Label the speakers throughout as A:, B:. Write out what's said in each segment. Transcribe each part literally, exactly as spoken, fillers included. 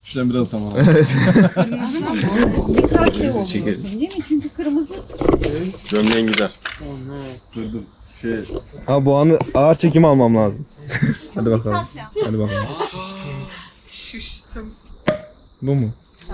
A: Şuradan biraz zaman al.
B: Dikkatli olmalısın değil mi? Çünkü kırmızı
A: Gömleğin gider. Dur dur. Şey...
C: Ha bu anı ağır çekim almam lazım. Hadi bakalım. Hadi bakalım.
D: Şiştim.
C: Bu mu?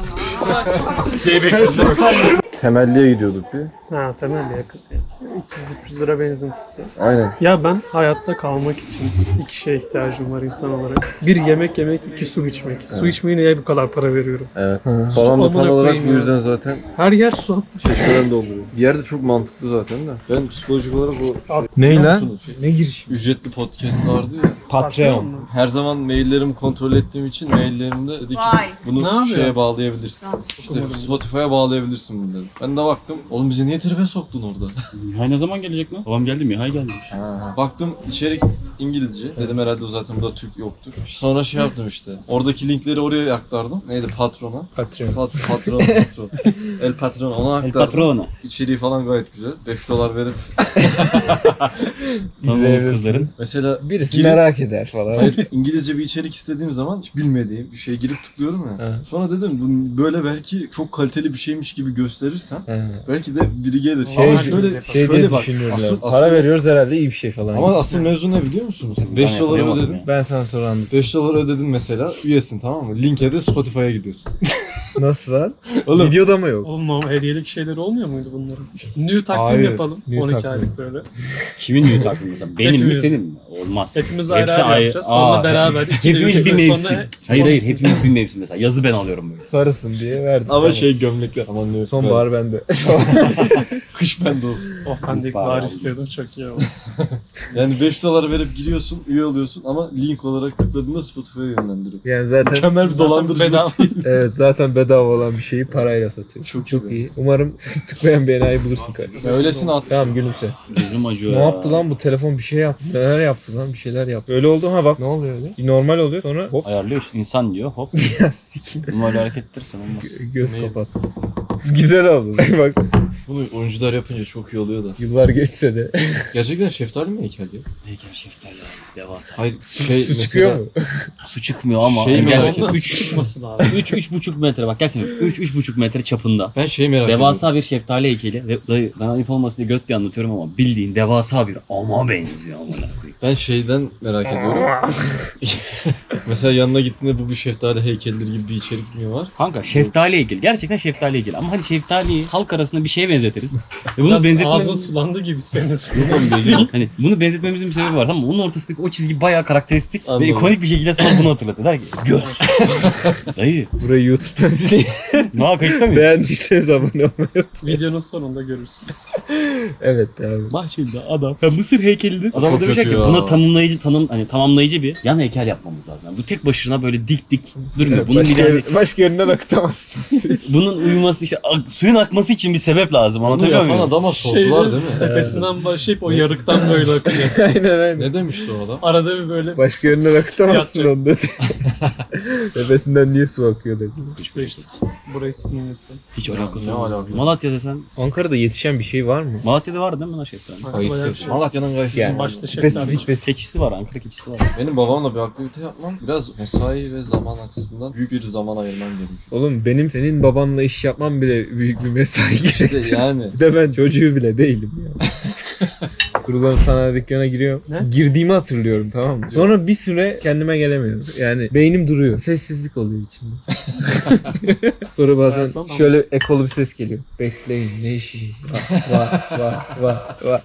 A: Şey bekliyorum.
C: Temelliye gidiyorduk bir.
D: Ha temel yakın. iki yüz üç yüz lira benzin tutsa.
C: Aynen.
D: Ya ben hayatta kalmak için iki şeye ihtiyacım var insan olarak. Bir yemek yemek, iki su içmek. Su içmeye niye bu kadar para veriyorum?
A: Evet.
C: Hı.
A: Falan da tam
D: Amına
A: olarak
D: koyayım
A: bu
D: ya.
A: yüzden zaten
D: Her yer su.
A: şaşkınlar da oluyor. Bir yerde çok mantıklı zaten de. Ben psikolojik olarak bu...
C: Ney
A: Biliyor
C: lan?
A: musunuz?
C: Ne giriş?
A: Ücretli podcast vardı ya.
C: Patreon.
A: Her zaman maillerimi kontrol ettiğim için maillerimde dedi ki
B: Vay.
D: Ne
A: bunu
D: yapıyor?
A: şeye bağlayabilirsin. İşte Spotify'a bağlayabilirsin bunu dedi. Ben de baktım. Oğlum bizi niye tribe soktun orada?
E: Hay ne zaman gelecek lan? Babam geldi mi? Hay geldi.
A: Baktım içerik İngilizce. Dedim herhalde o zaten burada Türk yoktur. Sonra şey yaptım işte. Oradaki linkleri oraya aktardım. Neydi? Patrona.
C: Patreon.
A: Pat patron, patron. El patron ona
E: El
A: aktardım.
E: patrona.
A: İçeriği falan gayet güzel. beş dolar verip
E: Tanıdığımız kızların.
A: mesela
C: Birisi
A: girip-
C: merak eder falan.
A: Hayır, İngilizce bir içerik istediğim zaman hiç bilmediğim bir şeye girip tıklıyorum ya.
C: Evet.
A: Sonra dedim bu böyle belki çok kaliteli bir şeymiş gibi gösterirsem
C: He.
A: belki de biri gelir.
C: Şey-
A: ama şöyle
C: Şey
A: şöyle
C: diye
A: bak.
C: düşünüyorlar.
A: Asıl,
C: Para
A: asıl,
C: veriyoruz herhalde iyi bir şey falan.
A: ama asıl mevzu ne biliyor musunuz?
E: Ben
A: beş dolar
E: yakalayamadım
A: ödedin.
E: ya.
C: ben sana sonra anladım.
A: beş dolar ödedin mesela. Üyesin tamam mı? Linke de Spotify'a gidiyorsun.
C: Nasıl lan?
A: Oğlum
C: Videoda mı yok?
D: Oğlum normal hediyelik şeyler olmuyor muydu bunların? İşte new takvim
C: Hayır,
D: yapalım.
C: new
D: on iki
C: takvim.
D: aylık böyle.
E: Kimin düğün takvimi mesela? Benim mi
D: Hepimiz.
E: senin mi? Olmaz.
D: Hepimiz ayrı
E: Hepsi
D: ayrı
E: ayrı.
D: yapacağız. Sonra
E: Aa,
D: beraber. iki de
E: Hepimiz
D: üç
E: bir
D: gün
E: mevsim.
D: sonra-
E: Hayır hayır hepimiz bir mevsim mesela. Yazı ben alıyorum böyle.
C: Sarısın diye verdim.
A: ama
C: Tamam.
A: şey gömlekler. Aman ne
C: Sonbahar bende.
A: kış bende olsun.
D: Oh ben de ilk
E: Bari
D: bahar
E: aldım.
D: istiyordum çok iyi oldu.
A: Yani beş dolar verip giriyorsun, üye oluyorsun ama link olarak tıkladığında Spotify'a yönlendiriyor.
C: Yani zaten
A: Mükemmel bir dolandırıcılık
D: bedava.
A: değil.
C: evet zaten bedava olan bir şeyi parayla satıyor.
A: Çok
C: Çok
A: iyi.
C: iyi. Umarım tıklayan bir enayi bulursun kardeşim.
A: Ya öylesine at.
C: Tamam gülümse.
E: Gözüm acıyor
C: Ne
E: ya.
C: yaptı lan bu telefon bir şey yaptı. Neler yaptı lan bir şeyler yaptı. Öyle oldu ha bak. Ne oluyor öyle? Normal oluyor sonra hop.
E: Ayarlıyor işte, insan diyor hop.
C: Ya sikim.
E: Numaralı hareket ettirsen olmaz.
C: Gö- Göz
A: Ne?
C: kapat. Güzel oldu. Bak
A: Bunu oyuncular yapınca çok iyi oluyor da.
C: yıllar geçse de.
A: Gerçekten şeftali mi heykel ya?
E: Heykel şeftali abi. Devasa.
A: Hayır şey
C: Su çıkıyor mu?
E: Su çıkmıyor ama.
A: Şey mi
E: gerçekten
A: merak
D: Ondan
E: üç-
D: su çıkması lazım.
E: üç üç buçuk metre bak gerçekten üç üç buçuk metre çapında.
A: Ben şey merak ediyorum.
E: Devasa bir şeftali heykeli ve dayı ben ayıp olmasın diye göt diye anlatıyorum ama bildiğin devasa bir ama benziyor amına koyayım.
A: Ben şeyden merak ediyorum. Mesela yanına gittiğinde bu bir şeftali heykelidir gibi bir içerik mi var?
E: Kanka şeftali heykeli gerçekten şeftali heykeli ama hani şeftaliyi halk arasında bir şeye benzetiriz. Ve bunu
D: Biraz ağzın
E: benzetmemiz
D: sulandı gibi senin.
E: hani bunu benzetmemizin bir sebebi var ama onun ortasındaki o çizgi bayağı karakteristik
A: Anladım.
E: ve ikonik bir şekilde sana bunu hatırlatır. Der ki gör. Dayı
C: Burayı YouTube'dan izleyin.
E: ne kayıtta mıyız?
C: Beğendiyseniz abone olmayı.
D: Videonun sonunda görürsünüz.
C: Evet abi.
E: Bahçede adam ya Mısır heykelidir. Adam
A: Çok
E: da diyecek
A: kötü
E: ki
A: ya.
E: buna tanımlayıcı tanım hani tamamlayıcı bir yan heykel yapmamız lazım. Yani bu tek başına böyle dik dik durmuyor. Bunun
C: başka,
E: bir de hani,
C: başka yerinden akıtamazsın.
E: bunun uyuması işte ak- suyun akması için bir sebep lazım.
A: Onu
E: Anlatabiliyor
A: yapan
E: muyum?
A: adama sordular değil mi?
D: Tepesinden başlayıp o yarıktan böyle akıyor.
C: aynen aynen.
A: Ne demişti o adam?
D: Arada bir böyle
C: Başka yerinden akıtamazsın
D: Yatacak.
C: onu dedi. Tepesinden niye su akıyor dedi.
D: pisleştik. Burayı silin lütfen.
E: Hiç
A: Ne
E: alakası yok.
A: alakası?
E: Malatya'da sen
C: Ankara'da yetişen bir şey var mı?
E: Malatya'da var değil mi lan şeftali?
A: Kayısı.
D: Bayağı bir şey.
A: Malatya'nın kayısı.
C: Yani
D: başta şeftali.
C: spesifik bir
E: Keçisi var, Ankara keçisi var.
A: Benim babamla bir aktivite yapmam biraz mesai ve zaman açısından büyük bir zaman ayırmam gerekiyor.
C: Oğlum benim senin babanla iş yapmam bile büyük bir mesai
A: İşte
C: gerektiriyor.
A: yani.
C: Bir de ben çocuğu bile değilim ya. Kurulan sanayi dükkanına giriyorum.
D: Ne?
C: Girdiğimi hatırlıyorum tamam mı? Sonra bir süre kendime gelemiyorum. Yani beynim duruyor. Sessizlik oluyor içinde. Sonra bazen
D: Evet, tamam.
C: şöyle ekolu bir ses geliyor. Bekleyin ne işiniz var var var var var.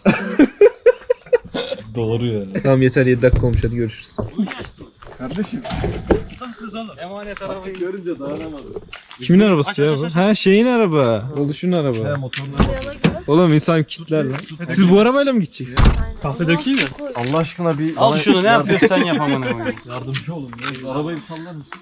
A: Doğru yani.
C: Tamam yeter yedi dakika olmuş hadi görüşürüz.
A: Kardeşim.
E: Emanet arabayı.
A: Görünce dayanamadım.
C: Kimin arabası
E: Aç,
C: ya
E: aç,
C: bu?
E: aç,
C: Ha şeyin araba. Oluşun araba.
A: motorla.
C: Oğlum insan kitler lan. Siz bu arabayla mı gideceksiniz?
D: Kahve dökeyim mi?
A: Allah aşkına bir...
E: Al şunu ne yapıyorsan yap amına koyayım.
A: Yardımcı olun. Ya. Arabayı bir sallar mısın?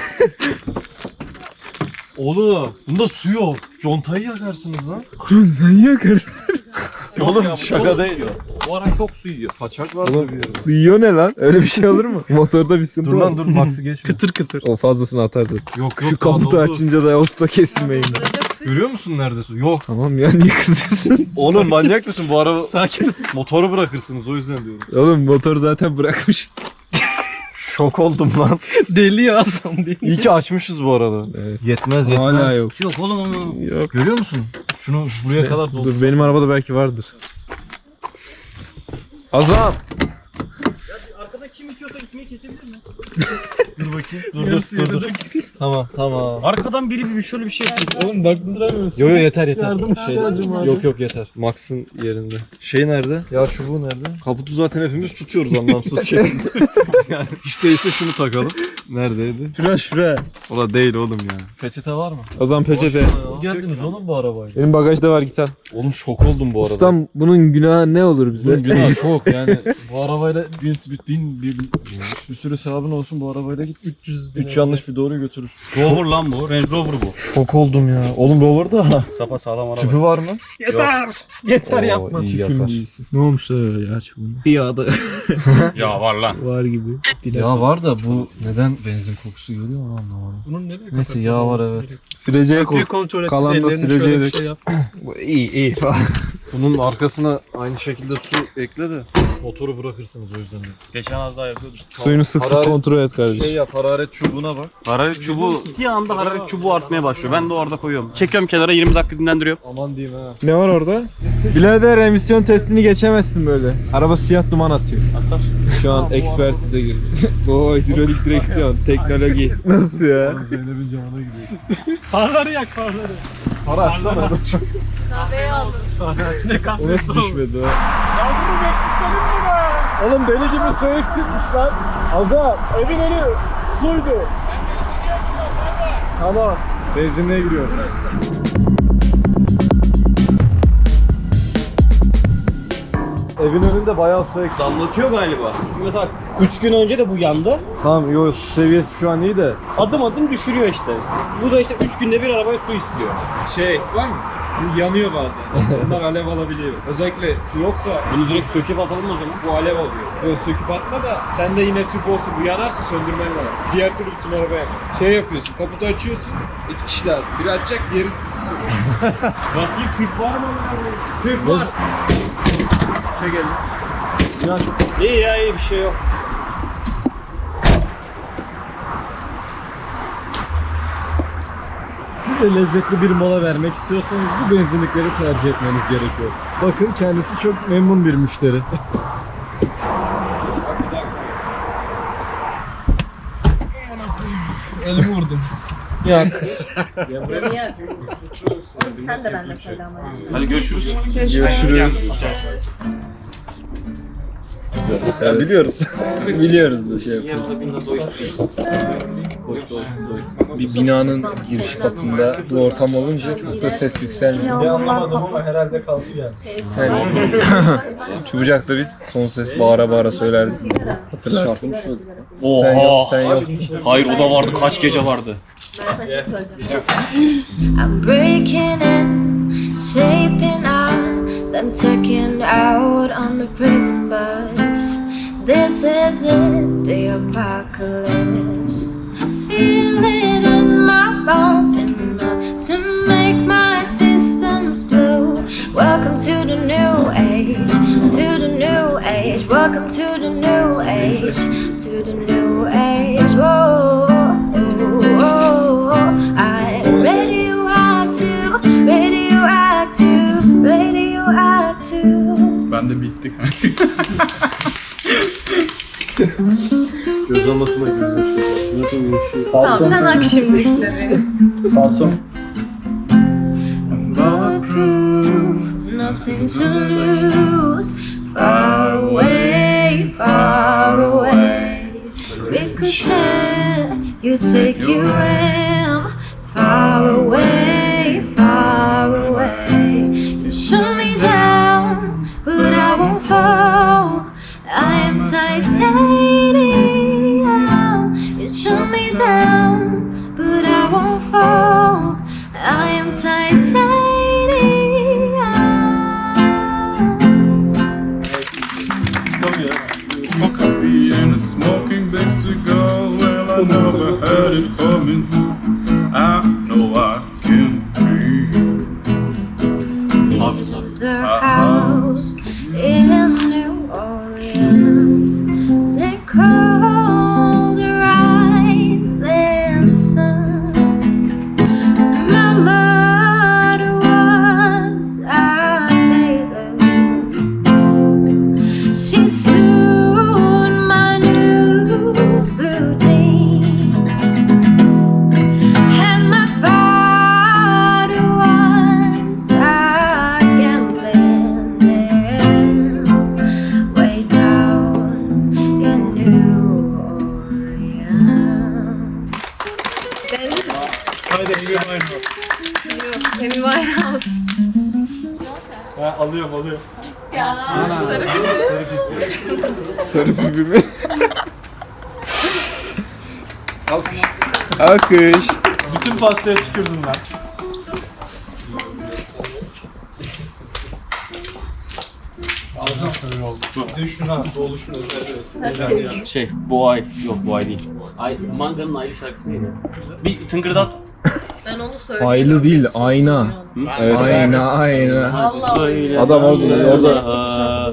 A: Oğlum bunda su yok. Contayı yakarsınız lan.
C: Ne yakar?
A: Oğlum şaka değil.
E: Bu ara çok su yiyor.
A: Kaçak var
C: Oğlum,
A: bir yerde.
C: Su yiyor ne lan? Öyle bir şey olur mu? Motorda bir sıkıntı
A: Dur
C: var.
A: lan dur Max'ı geçme.
D: Kıtır kıtır.
C: O fazlasını atarsın.
A: Yok yok.
C: Şu
A: daha
C: kaputu
A: doldu.
C: açınca da usta kesilmeyin.
A: Görüyor musun nerede su? Yok.
C: Tamam ya niye kızıyorsun?
A: Oğlum manyak mısın? Bu araba
D: Sakin.
A: motoru bırakırsınız o yüzden diyorum.
C: Oğlum motor zaten bırakmış.
A: Şok oldum lan.
D: Deli ya Hasan deli.
A: İyi ki açmışız bu arada.
C: Evet.
A: Yetmez yetmez.
C: Hala yok.
E: Yok oğlum onu.
C: Yok.
A: Görüyor musun? Şunu buraya kadar doldu.
C: Dur benim arabada belki vardır. Azam.
E: Arkada kim itiyorsa gitmeyi kesebilir mi?
A: Dur bakayım. Dur dur dur. dur. Tamam tamam.
E: Arkadan biri bir şöyle bir şey yapıyor.
D: Oğlum bak duramıyorsun.
A: Yo yo yeter yeter.
D: Yardım
A: Şey,
D: ihtiyacım var.
A: yok yok yeter. Max'ın yerinde. Şey nerede? Yağ çubuğu nerede? Kaputu zaten hepimiz tutuyoruz anlamsız şekilde. Yani hiç değilse şunu takalım. Neredeydi?
C: Şura şura.
A: Ola değil oğlum ya. Peçete var mı?
C: Azam peçete.
A: Geldiniz oğlum bu arabayla.
C: Benim bagajda var git al.
A: Oğlum şok oldum bu arada.
C: Ustam bunun günahı ne olur bize?
A: Bunun günahı çok yani. Bu arabayla bin, bin, bin, bin, bir sürü sevabın olsun bu arabayla git. üç yüz üç yanlış bir doğruyu götürür.
E: Rover lan bu. Range Rover bu.
A: Şok oldum ya. Oğlum Rover'da
E: Sapa sağlam araba.
A: tüpü var mı?
D: Yeter. Yeter
A: Oo,
D: yapma.
A: iyi
C: Tüpüm
A: yapar.
C: değilsin. Ne olmuş da öyle ya çubuğuna? Yağda
E: Ya var lan.
C: var gibi.
A: Ya var da bu neden benzin kokusu geliyor onu anlamadım.
D: Bunun ne
A: Neyse yağ var evet.
C: Sileceğe koy.
D: Bir kontrol et.
C: Kalan da
D: ellerini
C: sileceğe
D: şöyle bir
C: dök.
D: şey yap.
C: Bu iyi iyi falan.
A: Bunun arkasına aynı şekilde su ekle de motoru bırakırsınız o yüzden.
E: Geçen az daha yapıyorduk.
C: Suyunu sık sık
A: Hararet-
C: kontrol et kardeşim.
A: Şey yap hararet çubuğuna bak.
E: Hararet çubuğu bir anda hararet çubuğu artmaya başlıyor. Ben de orada koyuyorum. Çekiyorum kenara yirmi dakika dinlendiriyorum.
A: Aman diyeyim ha.
C: Ne var orada? Birader emisyon testini geçemezsin böyle. Araba siyah duman atıyor.
E: Atar.
C: Şu an ekspertize girdi. Oo hidrolik direksiyon, teknoloji. Nasıl ya?
A: Zeynep'in camına gidiyor.
D: Farları yak farları.
A: Para atsana.
B: Kahveyi aldım.
D: Ne
C: O
D: kahvesi
C: nasıl
D: oğlum?
C: düşmedi o?
D: Ya bunu bekleselim mi be?
C: Oğlum deli gibi su eksikmiş lan. Azam.
D: Evin önü suydu.
C: Tamam.
A: Benzinliğe giriyor. Evin önünde bayağı su eksik.
E: Damlatıyor galiba. Çünkü mesela üç gün önce de bu yandı.
A: Tamam yo su seviyesi şu an iyi de.
E: Adım adım düşürüyor işte. Bu da işte üç günde bir arabaya su istiyor.
F: Şey var mı? Bu yanıyor bazen. Onlar alev alabiliyor. Özellikle su yoksa
E: Bunu direkt söküp atalım o zaman.
F: bu alev alıyor. Böyle söküp atma da sen de yine tüp olsun. Bu yanarsa söndürmen lazım. Diğer türlü bütün arabaya yakar. Şey yapıyorsun, kaputu açıyorsun. İki kişiler. Biri açacak, diğeri
E: Bakayım kırk var mı?
F: tüp var.
A: Çek elini. İnan.
E: İyi ya iyi bir şey yok.
A: Siz de lezzetli bir mola vermek istiyorsanız bu benzinlikleri tercih etmeniz gerekiyor. Bakın kendisi çok memnun bir müşteri.
D: Elimi vurdum.
B: Beni yak. Sen de benimle söyle ama.
E: Hadi görüşürüz.
C: Görüşürüz.
A: Ya biliyoruz.
C: Biliyoruz da şey yapıyoruz. Bir binanın giriş katında bu ortam olunca çok da ses yükselmiyor.
A: Ben anlamadım ama herhalde kalsın yani.
C: Yani Çubucak'ta biz son ses bağıra bağıra söylerdik. Hatırlarsın.
E: Oha.
C: Sen yok, sen yok.
E: Hayır o da vardı. Kaç gece vardı.
G: I'm breaking in, shaping out, then checking out on the prison bus. This is it, the apocalypse. Feel it in my bones, enough to make my systems blue. Welcome to the new age, to the new age. Welcome to the new age, to the new age. Whoa, whoa, I'm radioactive, radioactive, radioactive.
F: Ben de bitti.
A: Göz almasına gözüm
B: Tamam sen ak şimdi işte beni.
G: Bulletproof, nothing to lose. Far away, far away. Ricochet, you take your aim. Far away, far away. You shoot me down, but I won't fall. I am titanium. You shoot me down, but I won't fall. I am titanium.
F: A coffee and a smoking big cigar. Well, I never had it coming. I know I can breathe.
G: There's a house in New Orleans. They call
D: Haydi Amy Winehouse.
B: Amy Winehouse.
D: Ha, alıyorum alıyorum.
B: Ya sarı
C: Sarı pipi mi? Alkış. Alkış.
A: Bütün pastaya tükürdüm ben.
E: Şey bu ay yok bu ay değil. Ay Manga'nın Aylı şarkısı neydi? Bir tıngırdat.
B: Ben onu söyleyeyim.
C: Aylı değil, ayna. Evet, ayna, ayna.
B: Allah
A: Adam orada-
E: orada.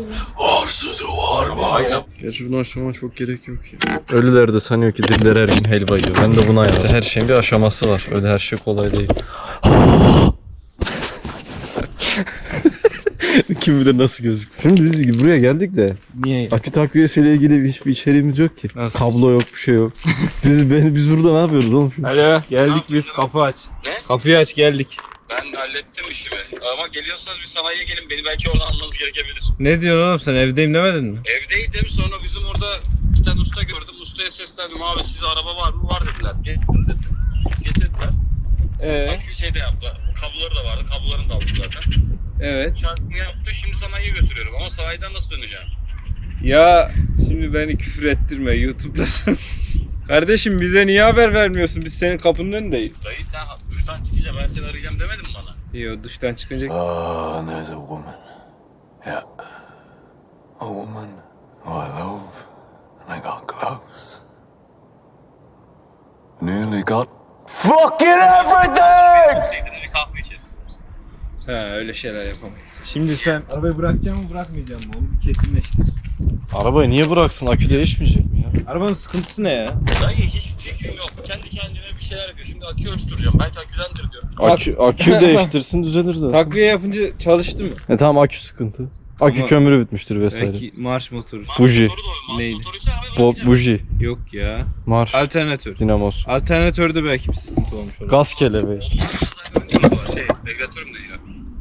A: Gerçi bunu aşamama çok gerek yok ya. Ölüler de sanıyor ki diller her gün helva yiyor. Ben de buna yandım. Her şeyin bir aşaması var. Öyle her şey kolay değil. Kim bilir nasıl gözüküyor. Şimdi biz buraya geldik de
C: Niye?
A: akü takviyesiyle ilgili hiçbir içeriğimiz yok ki.
C: Nasıl?
A: Kablo yok, bir şey yok. Biz ben, biz burada ne yapıyoruz oğlum? Şimdi?
C: Alo, geldik biz. Kapı aç. Kapıyı aç, geldik.
H: Ben hallettim işimi. Ama geliyorsanız bir sanayiye gelin. Beni belki oradan almanız gerekebilir.
C: Ne diyorsun oğlum, sen evdeyim demedin mi?
H: Evdeydim. Sonra bizim orada bir tane usta gördüm. Ustaya seslendim. Abi size araba var mı? Var dediler. Getirin dedim. Getirdiler.
C: Ee,
H: Akü şey de yaptı. Kabloları da vardı. Kablolarını da aldım zaten.
C: evet.
H: Şarkını yaptı. Şimdi sanayiye götürüyorum. Ama sanayiden nasıl döneceğim?
C: Ya şimdi beni küfür ettirme, YouTube'dasın. Kardeşim bize niye haber vermiyorsun? Biz senin kapının önündeyiz.
H: Dayı sen duştan çıkınca ben seni arayacağım demedin mi bana?
C: Yo, duştan çıkınca...
I: Oh, and there's a woman. Yeah. A woman who I love. And I got close. Nearly got fucking everything!
H: Sevdiğinde bir kahve içeriz.
C: Ha, öyle şeyler yapamayız. Şimdi sen arabayı bırakacak mı bırakmayacak mı? Onu bir kesinleştir.
A: Arabayı niye bıraksın? Akü değişmeyecek mi ya?
C: Arabanın sıkıntısı ne ya?
H: Dayı hiç fikrim yok. Kendi kendine bir şeyler yapıyor. Şimdi akü ölçtüreceğim. Belki aküdendir diyorum.
A: Akü, akü değiştirsin düzelir de.
C: Takviye yapınca çalıştı mı?
A: E tamam, akü sıkıntı. Akü
C: Ama-
A: kömürü bitmiştir vesaire.
C: Belki marş motoru.
A: Buji.
H: Motoru da o. Mars
C: Neydi?
H: motoruysa abi
A: Bo
H: bakacağım.
A: buji,
C: Yok ya.
A: marş,
C: Alternatör.
A: dinamos,
C: Alternatörde belki bir sıkıntı olmuş olabilir.
A: gaz kelebeği.
H: Ondan sonra zaten var. Şey, regülatörüm de yiyor.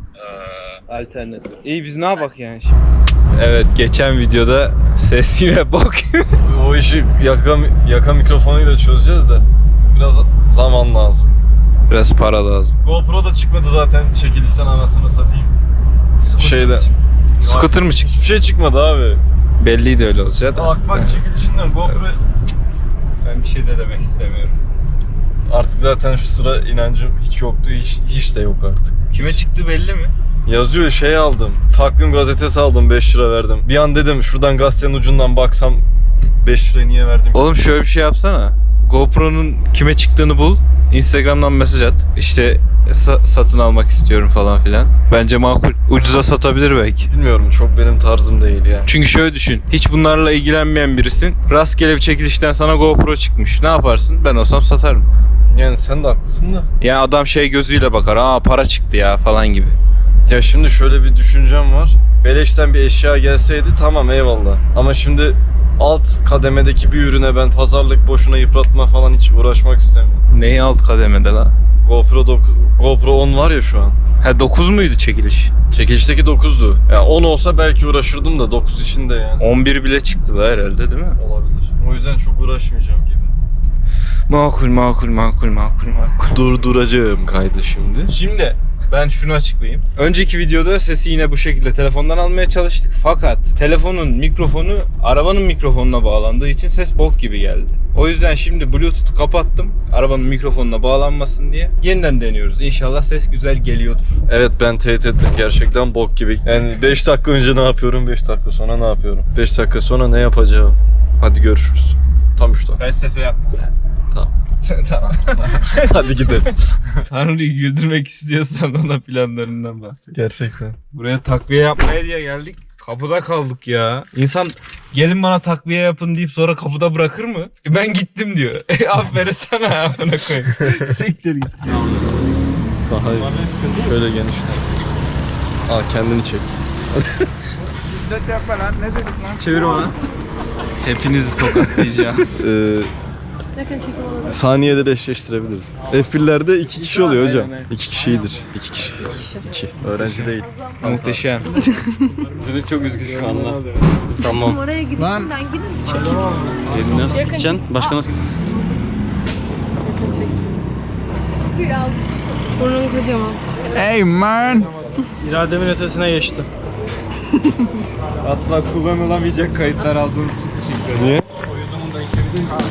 H: Ee,
C: Alternatör. İyi, biz ne yapak yani şimdi? Evet, geçen videoda ses yine bok.
A: O işi yaka, yaka mikrofonuyla çözeceğiz de biraz zaman lazım.
C: Biraz para lazım.
A: GoPro da çıkmadı zaten, çekilişten anasını satayım. Şeyde.
C: Scooter mı çıktı?
A: Hiçbir şey çıkmadı abi.
C: Belliydi öyle olacak da.
A: Bak bak çekilişinden GoPro
C: Ben bir şey de demek istemiyorum.
A: artık zaten şu sıra inancım hiç yoktu, hiç, hiç de yok artık.
C: Kime çıktı belli mi?
A: Yazıyor, şey aldım. Takvim gazetesi aldım, beş lira verdim. Bir an dedim şuradan gazetenin ucundan baksam beş lirayı niye verdim?
C: Oğlum şöyle bir şey yapsana. GoPro'nun kime çıktığını bul. Instagram'dan mesaj at. İşte sa- satın almak istiyorum falan filan. Bence makul. Ucuza satabilir belki.
A: Bilmiyorum, çok benim tarzım değil yani.
C: Çünkü şöyle düşün. Hiç bunlarla ilgilenmeyen birisin. Rastgele bir çekilişten sana GoPro çıkmış. Ne yaparsın? Ben olsam satarım.
A: Yani sen de haklısın da.
C: Yani adam şey gözüyle bakar. Aa para çıktı ya falan gibi.
A: Ya şimdi şöyle bir düşüncem var. Beleşten bir eşya gelseydi tamam, eyvallah. Ama şimdi alt kademedeki bir ürüne ben pazarlık boşuna yıpratma falan hiç uğraşmak istemiyorum.
C: Neyi alt kademede la?
A: GoPro dok- GoPro on var ya şu an.
C: Ha dokuz muydu çekiliş?
A: Çekilişteki dokuzdu. Ya on olsa belki uğraşırdım da dokuz içinde yani.
C: on bir bile çıktı la herhalde değil mi?
A: Olabilir. O yüzden çok uğraşmayacağım gibi.
C: Makul makul makul makul makul.
A: Durduracağım kaydı şimdi.
C: Şimdi ben şunu açıklayayım. Önceki videoda sesi yine bu şekilde telefondan almaya çalıştık. Fakat telefonun mikrofonu arabanın mikrofonuna bağlandığı için ses bok gibi geldi. O yüzden şimdi Bluetooth'u kapattım. Arabanın mikrofonuna bağlanmasın diye. Yeniden deniyoruz. İnşallah ses güzel geliyordur.
A: Evet, ben teyit ettim, gerçekten bok gibi. Yani beş dakika önce ne yapıyorum, beş dakika sonra ne yapıyorum? beş dakika sonra ne yapacağım? Hadi görüşürüz. Tam üç dakika.
C: Felsefe yapma.
A: Tamam.
C: Tamam.
A: Hadi gidelim.
C: Tanrı'yı güldürmek istiyorsan ona planlarından bahset.
A: Gerçekten.
C: Buraya takviye yapmaya diye geldik. Kapıda kaldık ya. İnsan gelin bana takviye yapın deyip sonra kapıda bırakır mı? E ben gittim diyor. E aferin sana amına koyayım. Siktir git.
A: Daha iyi. Şöyle genişten. Aa, kendini çek.
C: Çevir bana. Hepinizi tokatlayacağım.
A: Ee,
B: Yakın çekim alalım.
A: saniyede de eşleştirebiliriz. F bir'lerde iki kişi oluyor hocam.
C: Aynen, aynen.
A: İki kişidir. İki kişi. İki. Öğrenci değil.
C: Muhteşem.
E: Üzülüm çok üzgün şu anda.
B: Şimdi
E: Tamam.
B: oraya gidip ben giderim.
E: Elini nasıl tutacaksın? Başka nasıl?
B: Yakın çekim.
G: Burnun kocaman.
F: Hey man!
D: İrademin ötesine geçti.
C: Asla kullanılamayacak kayıtlar aldığınız için teşekkür ederim.
A: Niye?